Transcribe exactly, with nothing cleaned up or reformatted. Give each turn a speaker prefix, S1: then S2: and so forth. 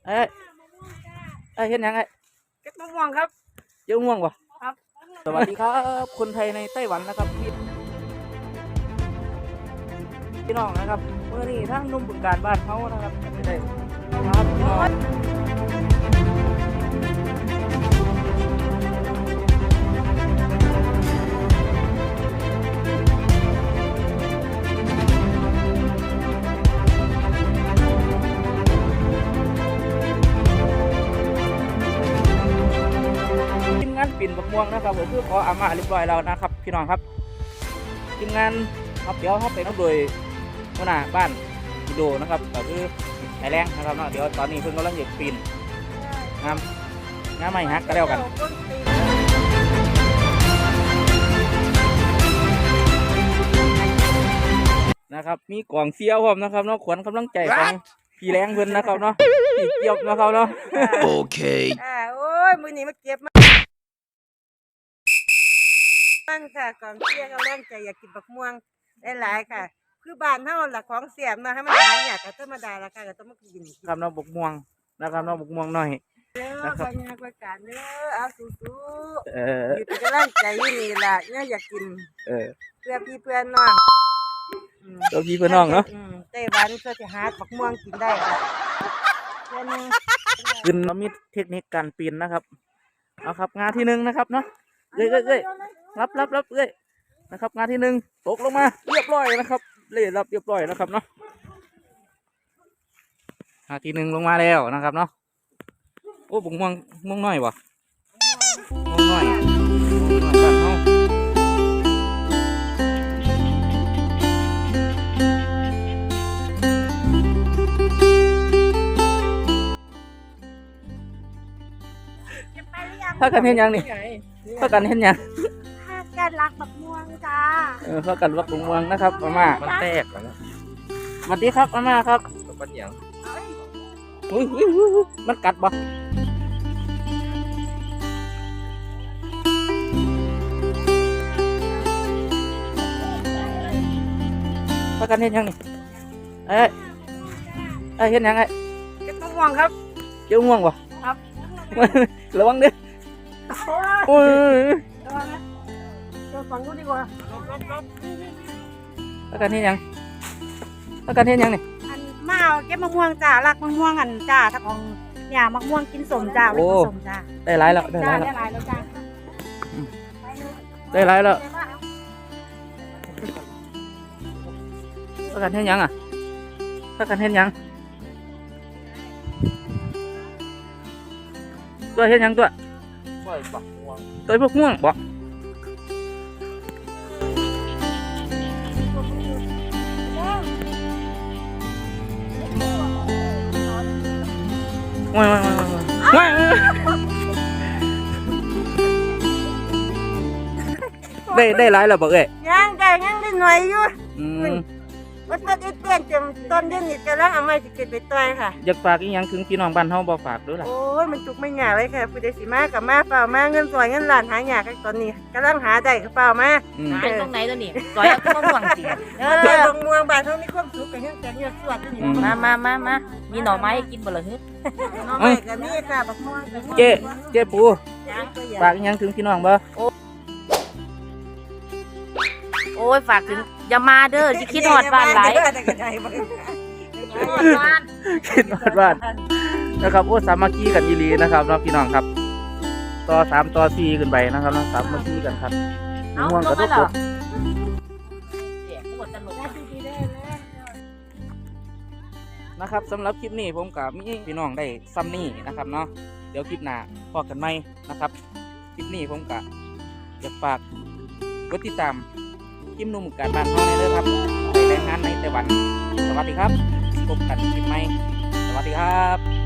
S1: เอ้ยเอ้ยเห็นยังไง
S2: เก็บมะม่วงครับ
S1: เจ้าม่วงวะ
S2: ครับ
S1: สวัสดีครับคนไทยในไต้หวันนะครับพี่พี่น้องนะครับเมื่อนี้ทั้งนุ่มบึงการบ้านเขานะครับไม่ได้ครับพี่น้องทีมงานปิ่นบักม่วงนะครับผมคือขออามาเรียบร้อยแล้วนะครับพี่น้องครับทีมงานครับเดี๋ยวเขาไปนับโดยหัวหน้าบ้านอินโดนะครับก็คือไอแรงนะครับเนาะเดี๋ยวตอนนี้เพิ่งกำลังเหยียบปีนงามงามไม่ฮักก็แล้วกันนะครับมีกล่องเสี้ยวพร้อมนะครับเนาะขวัญกำลังใจของพี่แรงเพิ่นนะครับเนาะพี่เกียบนะครับเนาะ
S3: โอเค
S2: อ่าโอ้ยมือนี้มาเก็บมาตั้งค่ะกองเชียร์ก็แรงใจอยากกินบักม่วงหลายๆค่ะคือบ้านเฮาหลักของเสียมนะให้มันหายอยากก็ธรรมดาละค่ะก็ต้องมากิน
S1: ครับเนาะบักม่วงนะครับเนาะบักม่วงหน่อย
S2: เด้อคนงานประกาศเด้อเอาสู้
S1: ๆเออ
S2: อยู่ที่กำลังใจอยู่นี่ล่ะเนี่ยอยากกิน
S1: เออ
S2: เพื่อพี่เพื่อนน้อง
S1: ตัวพี่เพื่อนน้องเนาะ
S2: ไต้หวันเพื่อจะหาบักม่วงกินได้ค่ะเพื่อนนึง
S1: ขึ้นเรามีเทคนิคการปีนนะครับเอาครับงานที่หนึ่งนะครับเนาะเอ้ยเอ้ยเอ้ยรับรับรับเอ้ยนะครับงานที่หนึ่งตกลงมาเรียบร้อยนะครับเล่รับเรียบร้อยนะครับเนาะงานที่หนึ่งลงมาแล้วนะครับเนาะโอ้บุกม่วงม่วงน้อยวะม่วงน้อยม่วงน้อยบ้านเฮาถ้ากันเห็นยังนี่ถ้ากันเห็นยัง
S2: ถ้ากันรักบักม่วงจ้า
S1: เออถ้ากันรักบักม่วงนะครับอาม่า
S3: มันแตกแล้วนะ
S1: สวัสดีครับอาม่าครับ
S3: มันอย่าง
S1: อุ้ยมันกัดบ่ถ้ากันเห็นยังนี่เอ้ยเอ้ยเห็นยังไง
S2: เก็บมะม่วงครับ
S1: เจ้าม่วงบ่
S2: ครับ
S1: ระวังดิโอ้ย
S2: ระวังนะเดี๋ยวฟังดูดีกว่า
S1: ถ้ากันเห็นยังถ้ากันเห็นยังนี่
S2: อันมาเอาเก็บมะม่วงจ้ารักมะม่วงอันจ้าถ้าของเนี่ยมะม่วงกินสมจ้าไม่กินสมจ้า
S1: ได้หลายแล้วได้หลายแล้ว
S2: ได้หลายแล้วจ้า
S1: ได้หลายแล้วถ้ากันเห็นยังอ่ะถ้ากันเห็นยังตัวเห็นยังตัวตัวพวกม่วงบ่ว้ายว้ายว้ายได้ได้หลายแล้วบ่เอ้ย
S2: ยังได้ยังได้หน่อยอยู่
S1: อืม
S2: ว่าต้นอีเตี้ยนเต็มต้นเดือนนี้กำลังเอาไม้สิเก็บไปต้อยค่ะ
S1: อยากฝากอีหยังถึงพี่น้องบ้านเฮาบ่ฝากด้วยล่ะ
S2: โอ้ยมันจุกไม่หยาเลยค่ะผู้ใดสิมากับมาเปล่ามาเงินซอยเงินล้านหาหยากันตอนนี้กำลังหาได้กับเปล่ามา
S4: หาตรงไหนตัวนี้ซอยเอาม่วงสิ
S2: เออตรงเมืองบ้านเฮามีความสุขกับเฮ็ดแต่เฮ็ดสวดนี่
S4: มามามามามีหน่อไม้กินบ่ล่ะฮึ
S2: หน่อไม้ก็มีค่ะบักม่วง
S1: เจ๊เจ๊ปูฝากอีหยังถึงพี่น้องบ่
S4: โอ้ยฝากถึงอย่ามาเด้อสิคิดฮอดบ้านหลาย
S1: คิดฮอดบ้านนะครับโอ้สามัคคีกันอีหลีนะครับเนาะพี่น้องครับต่อสามต่อสี่ขึ้นไปนะครับเนาะสามัคคีกันครับม่วงกระทบกดนะครับสำหรับคลิปนี้ผมกับมีพี่น้องได้ซ้ำนี่นะครับเนาะเดี๋ยวคลิปหน้าพบกันใหม่นะครับคลิปนี้ผมกับอยากฝากกดติดตามทีมหนุ่มการบ้านเฮาในเด้อครับไปแรงงานในไต้หวันสวัสดีครับพบกันคลิปใหม่สวัสดีครับ